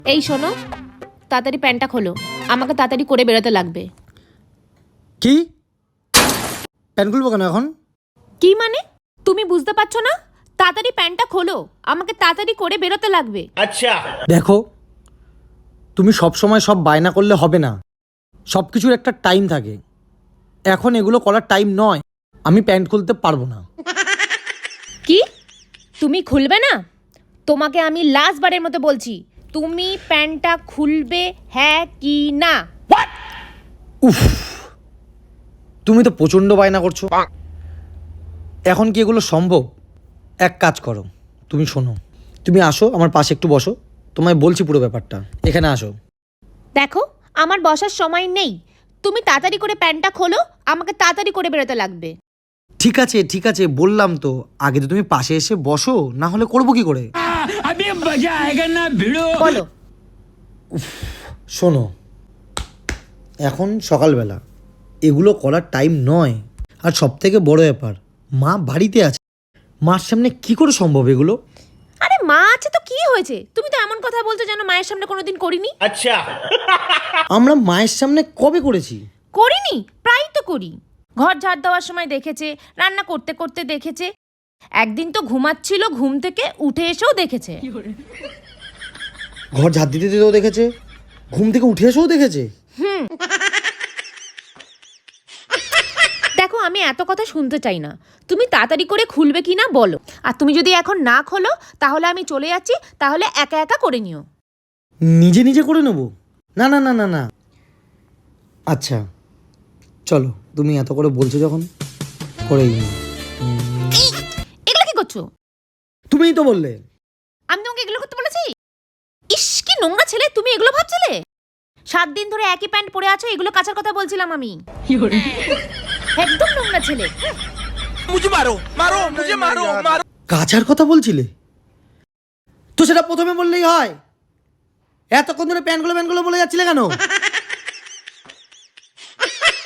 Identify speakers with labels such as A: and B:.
A: এই শোনো, তাড়াতাড়ি প্যান্টটা খোলো, আমাকে তাড়াতাড়ি করে বেরোতে লাগবে।
B: কি? প্যান্ট খুলবো কেন এখন?
A: কি মানে? তুমি বুঝতে পারছো না? তাড়াতাড়ি প্যান্টটা খোলো, আমাকে তাড়াতাড়ি করে বেরোতে লাগবে।
C: আচ্ছা
B: দেখো, তুমি সব সময় সব বায়না করলে হবে না। সব কিছুর একটা টাইম থাকে। এখন এগুলো করার টাইম নয়। আমি প্যান্ট খুলতে পারবো না।
A: কি? তুমি খুলবে না? তোমাকে আমি লাস্ট বারের মতো বলছি, তুমি প্যান্টটা খুলবে হ্যাঁ কি না?
B: উফ, তুমি তো প্রচণ্ড বায়না করছো। এখন কি এগুলো সম্ভব? এক কাজ করো, তুমি শোনো, তুমি আসো আমার পাশে একটু বসো, তোমায় বলছি পুরো ব্যাপারটা। এখানে আসো।
A: দেখো, আমার বসার সময় নেই, তুমি তাড়াতাড়ি করে প্যান্টটা খোলো, আমাকে তাড়াতাড়ি করে বেরোতে লাগবে।
B: ঠিক আছে ঠিক আছে, বললাম তো। আগে তো তুমি পাশে এসে বসো, না হলে করবো কি করে?
A: বলো।
B: শোনো, এখন সকালবেলা, এগুলো করার টাইম নয়। আর সব থেকে বড় ব্যাপার, মা বাড়িতে আছে। মার সামনে কি করে সম্ভব এগুলো?
A: আরে মা আছে তো কি হয়েছে? তুমি তো এমন কথা বলছো যেন মায়ের সামনে কোনোদিন করিনি।
C: আচ্ছা
B: আমরা মায়ের সামনে কবে করেছি?
A: করিনি, প্রায় তো করি। ঘর ঝাড় দেওয়ার সময় দেখেছে, রান্না করতে করতে দেখেছে, একদিন তো ঘুমাচ্ছিল, ঘুম থেকে উঠে এসেও দেখেছে।
B: ঘর ঝাড় দিতে দিতেও দেখেছে, ঘুম থেকে উঠে এসেও দেখেছে।
A: দেখো, আমি এত কথা শুনতে চাই না, তুমি তাড়াতাড়ি করে খুলবে কি না বলো। আর তুমি যদি এখন না খোলো তাহলে আমি চলে যাচ্ছি, তাহলে একা একা করে নিও।
B: নিজে নিজে করে নেবো? না না না না না। আচ্ছা চলো, তুমি এত করে বলছো যখন, করেই নিই।
A: এগুলো কি করছো?
B: তুমিই তো বললে।
A: আমি তোমাকে এগুলো করতে বলেছি? ইস, কি নোংরা ছেলে, তুমি এগুলো ভাবছিলে? 7 দিন ধরে একই প্যান্ট পরে আছো, এগুলো কাচার কথা বলছিলাম আমি। একদম নোংরা ছেলে।
C: मुझे मारो मारो मुझे मारो मारो
B: কাচার কথা বলছিলে তো সেটা প্রথমে বললেই হয়। এতক্ষণ ধরে প্যান্টগুলো বলে যাচ্ছিলে কেন?